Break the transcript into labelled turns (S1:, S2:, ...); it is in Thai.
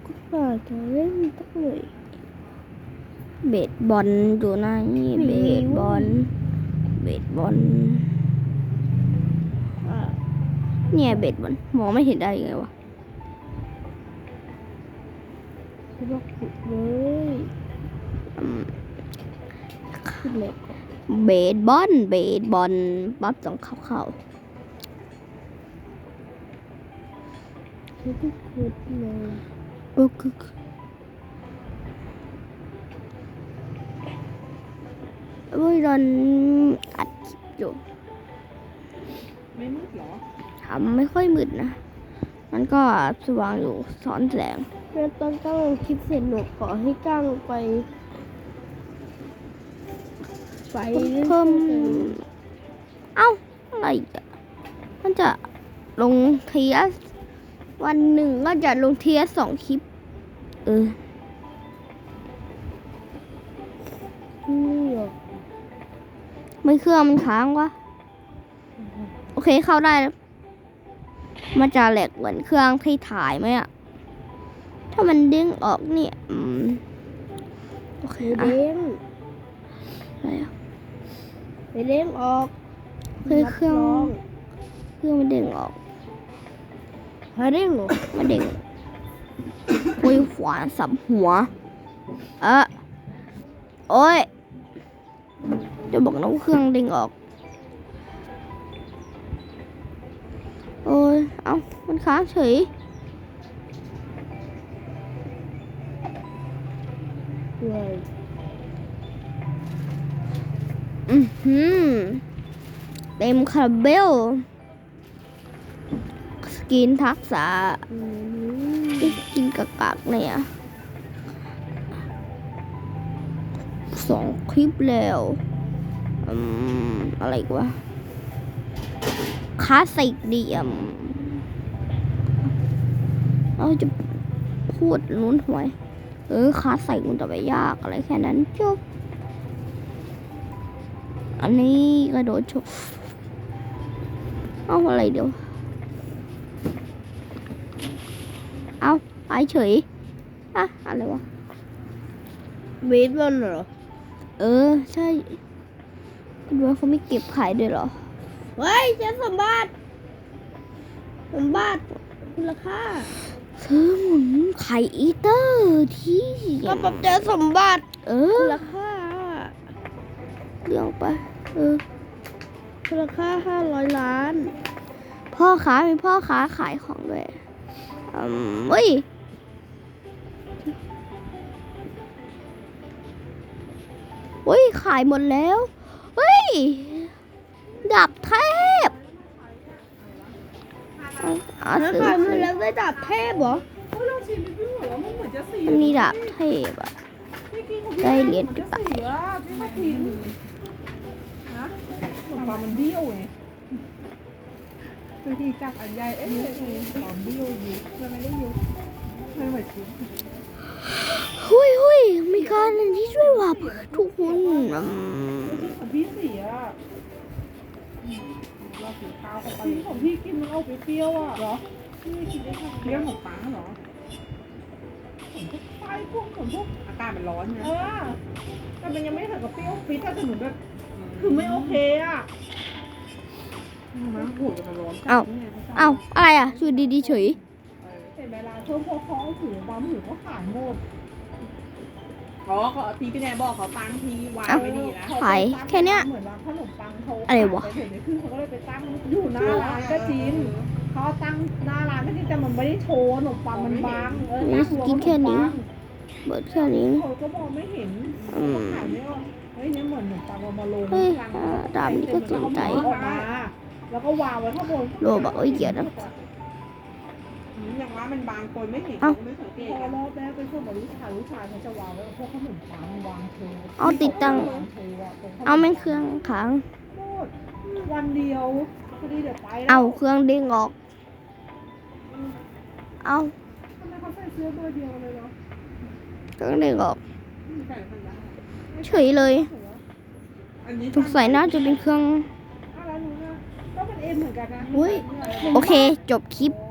S1: ก็จะเล่นตั้งเลยเบสบอลอยู่ไหนเบสบอลเนี่ยเบสบอลมองไม่เห็นได้ยังไงวะคิดว่าขุดเลยขึ้นเลยเบสบอลปั๊บต้องเข้าคิดว่าขุดเลยก็คือตอนอัดคลิปอยู่
S2: ไม่มืดหรอ
S1: ทำไม่ค่อยมืดนะมันก็สว่างอยู่ซ้อนแสงแล้วตอนตั้งคลิปเสร็จหนูขอให้ก้างไปเพิ่มเอ้าอะไรอ่ะมันจะลงเทียสวันหนึ่งก็จะลงเทียส2 คลิปไม่เครื่องมันค้างวะโอเคเข้าได้แล้วมันจะแหลกเหมือนเครื่องที่ถ่ายไหมอะถ้ามันเด้งออกเนี่ยโอเคเด้งอะไรอะไปเด้งออกเครื่องมันเด้งออกเด้งหรอมันเด้งคุยขวานสับหัวโอ้ยจะบอกนะว่าเครื่องเด้งออกโอ้ยเอ้ามันค้างเฉยเลยเต็มคาราเบลสกินทักษะกินกากเนี่ย2 คลิปแล้วอะไรวะคลาสสิกดีเราจะพูดลุ้นหวยคลาสสิกมันจะไปยากอะไรแค่นั้นจบอันนี้กระโดดชกเอาอะไรเดี๋ยวเอาไปเฉยอะไรวะเบสบอลเหรอใช่ดูว่าเขาไม่เก็บขายด้วยเหรอเฮ้ยเจ้าสมบัติมูลค่าซื้อหมุนไข่อีเตอร์ที่ก็ปรับเจอสมบัติมูลค่าเรื่องไปมูลค่า500 ล้านพ่อค้ามีพ่อค้าขายของด้วยเฮ้ยขายหมดแล้วเฮ้ยดาบเทพขายหมดแล้วได้ดาบเทพเหรอมีดาบเทพอ่ะได้เหรียญกี่บาท
S2: มันเบี้ยวไงบางทีจับอันใหญ่ตอนเบี้ยวอยู่มันไม่ได้ยุบไม่ไหวจริง
S1: หุยมีการอันที่ช่วยว่าทุกคน
S2: พี่เสียเราสีขาวของพี่ของพี่กินมันเอาไปเปรี้ยวอ่ะเหรอพี่กินได้แค่เปรี้ยวของปังเหรอไฟพวกอากาศมันร้อนนะแต่มันยังไม่ถึงกับเปรี้ยวฟิตแต่เหมือนแบบคือไม่โอเคอ่ะมันหูจะร้อน
S1: เอาอะไรอ่ะช่วยดีเฉย
S2: แต่เวลาเพิ่มพอเขาถือบอมถือเขาขายหมดเขาทีพี่แนบอกเขาตั้งทีวางไว้ดีนะ
S1: ขายแค่เนี้ย
S2: เหมือนว่าขนมปังเขา
S1: อะไรวะ
S2: เห็นในคือเขาก็เลยไปตั้งอยู่หน้าร้านก็จริงเขาตั้งหน้าร้านก็จริงแต่มันไม่ได้โชว์ขนมปังมันบาง
S1: กินแค่นี้เบิดแค่นี้
S2: เขาก็มองไม่เห็นขายไม่ออกเฮ้ยเนี่ยเหมือนขนมปังมาลง
S1: ดามนี่ก็สนใจ
S2: แล้วก็วางไว้ข้างบน
S1: โลบอกเกียรตินะ
S2: อย่างว่ามันบางคนไม่เห็นไม่สังเกตพอรอบแรกเป็นช่วงลูกชายเขาจะวางไว้พวกขนมปังวางโชว์
S1: ติดตั้งแม่งเครื่องขัง
S2: วันเดียวพอดีเดี๋ยวไป
S1: เครื่องเด้งออก
S2: ทำไมเขาใส่เสื้อตัวเดียวเลยเนาะ
S1: เครื่องเด้งออกเฉยเลยสงสัยน่าจะเป็นเครื่อง
S2: ก็เป็นเอ็มเหมือนกันนะ
S1: โอเคจบคลิป